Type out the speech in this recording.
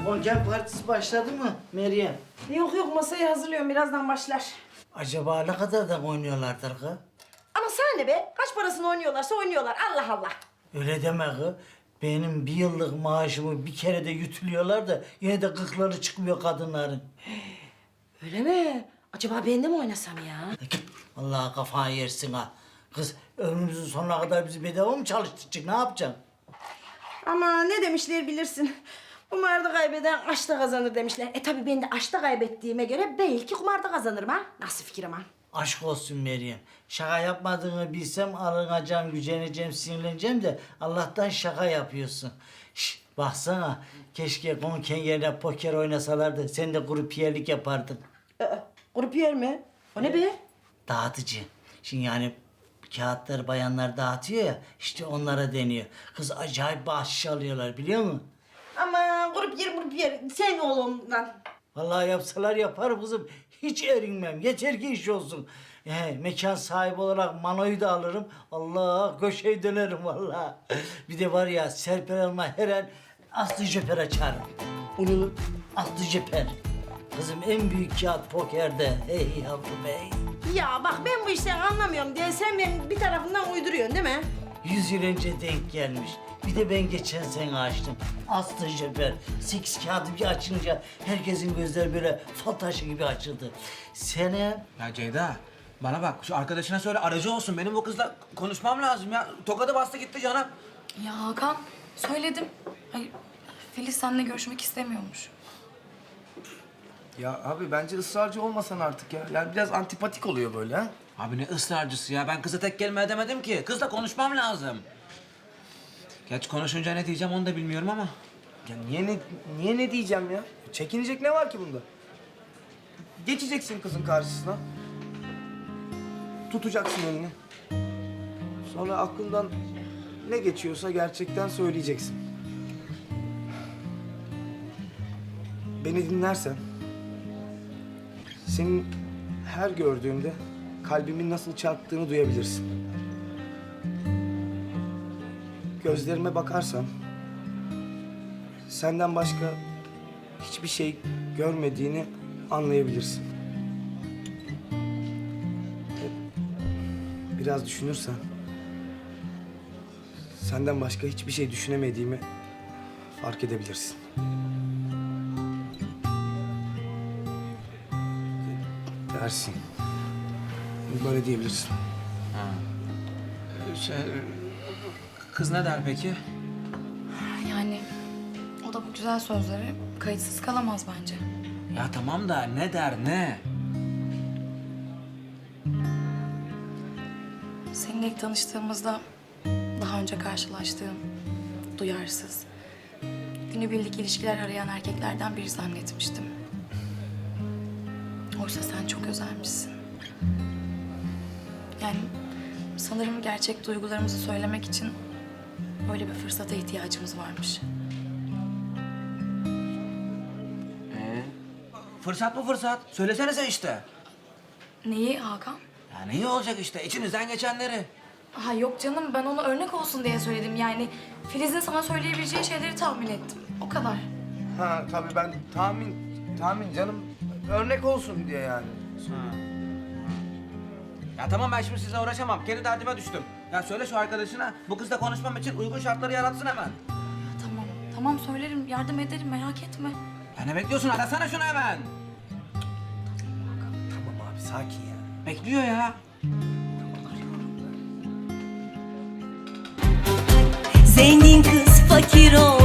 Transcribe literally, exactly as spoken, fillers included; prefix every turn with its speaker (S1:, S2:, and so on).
S1: Konken partisi başladı mı Meryem?
S2: Yok yok masayı hazırlıyorum birazdan başlar.
S1: Acaba ne kadardan oynuyorlardır kız?
S2: Ama sana ne be? Kaç parasını oynuyorlarsa oynuyorlar Allah Allah.
S1: Öyle deme kız. Benim bir yıllık maaşımı bir kere de yutuluyorlar da yine de gıkları çıkmıyor kadınların.
S2: Öyle mi? Acaba ben de mi oynasam ya?
S1: Vallahi kafayı yersin ha. Kız ömrümüzün sonuna kadar bizi bedava mı çalıştıracak? Ne yapacaksın?
S2: Ama ne demişler bilirsin. Kumarda kaybeden aşkta kazanır demişler. E tabii ben de aşkta kaybettiğime göre belki kumarda kazanırım ha. Nasıl fikir ama?
S1: Aşk olsun Meryem. Şaka yapmadığını bilsem alınacağım, güceneceğim, sinirleneceğim de Allah'tan şaka yapıyorsun. Şşt, baksana. Keşke konken yerine poker oynasalardı. Sen de grupiyerlik yapardın.
S2: Aa, grupiyer mi? O ne be?
S1: Dağıtıcı. Şimdi yani kağıtları bayanlar dağıtıyor ya, işte onlara deniyor. Kız acayip bahşiş alıyorlar biliyor musun?
S2: Ama grupiyer grupiyer sen oğlumdan.
S1: Vallahi yapsalar yaparım kızım. Hiç erinmem. Yeter ki iş olsun. He, mekan sahibi olarak manoyu da alırım. Allah köşeyi dönerim vallahi. Bir de var ya Serper Hanım'a her an Aslı Jöper açarım. Onu Aslı Jöper. Kızım en büyük kağıt pokerde. Hey yavrum hey.
S2: Ya bak ben bu işten anlamıyorum diye sen benim bir tarafından uyduruyorsun değil mi?
S1: Yüz yıl önce denk gelmiş. Bir de ben geçen sene açtım. Aslı Jöper. Sekiz kağıdı bir açınca herkesin gözleri böyle fal taşı gibi açıldı. Sene
S3: Ya Ceyda, bana bak şu arkadaşına söyle aracı olsun. Benim bu kızla konuşmam lazım ya. Tokadı bastı gitti canım.
S4: Ya Hakan, söyledim. Hayır, Filiz seninle görüşmek istemiyormuş.
S5: Ya abi bence ısrarcı olmasan artık ya. Yani biraz antipatik oluyor böyle ha.
S3: Abi ne ısrarcısı ya. Ben kıza tek kelime edemedim ki. Kızla konuşmam lazım. Geç konuşunca ne diyeceğim onu da bilmiyorum ama.
S5: Ya niye ne niye ne diyeceğim ya? Çekinecek ne var ki bunda? Geçeceksin kızın karşısına. Tutacaksın elini. Sonra aklından ne geçiyorsa gerçekten söyleyeceksin. Beni dinlersen senin her gördüğümde kalbimin nasıl çarptığını duyabilirsin. Gözlerime bakarsan senden başka hiçbir şey görmediğini anlayabilirsin. Ve biraz düşünürsen senden başka hiçbir şey düşünemediğimi fark edebilirsin. Dersin. Böyle diyebilirsin.
S3: Şey, kız ne der peki?
S4: Yani o da bu güzel sözleri kayıtsız kalamaz bence.
S3: Ya tamam da ne der ne?
S4: Seninle ilk tanıştığımızda daha önce karşılaştığım duyarsız, günübirlik ilişkiler arayan erkeklerden biri zannetmiştim. Oysa sen çok özelmişsin. Yani sanırım gerçek duygularımızı söylemek için böyle bir fırsata ihtiyacımız varmış.
S3: Ee, fırsat mı fırsat? Söylesenize işte.
S4: Neyi Hakan?
S3: Ya ne iyi olacak işte içinizden geçenleri.
S4: Ha yok canım, ben ona örnek olsun diye söyledim. Yani Filiz'in sana söyleyebileceği şeyleri tahmin ettim. O kadar.
S5: Ha tabii ben tahmin tahmin canım örnek olsun diye yani.
S3: Ha. Ya tamam ben şimdi sizinle uğraşamam. Kendi derdime düştüm. Ya söyle şu arkadaşına bu kızla konuşmam için uygun şartları yaratsın hemen.
S4: Ya tamam, tamam söylerim, yardım ederim, merak etme.
S3: Ya ne bekliyorsun? Arasana şunu hemen.
S5: Tamam abi sakin ya.
S3: Bekliyor ya.
S6: Zengin kız fakir ol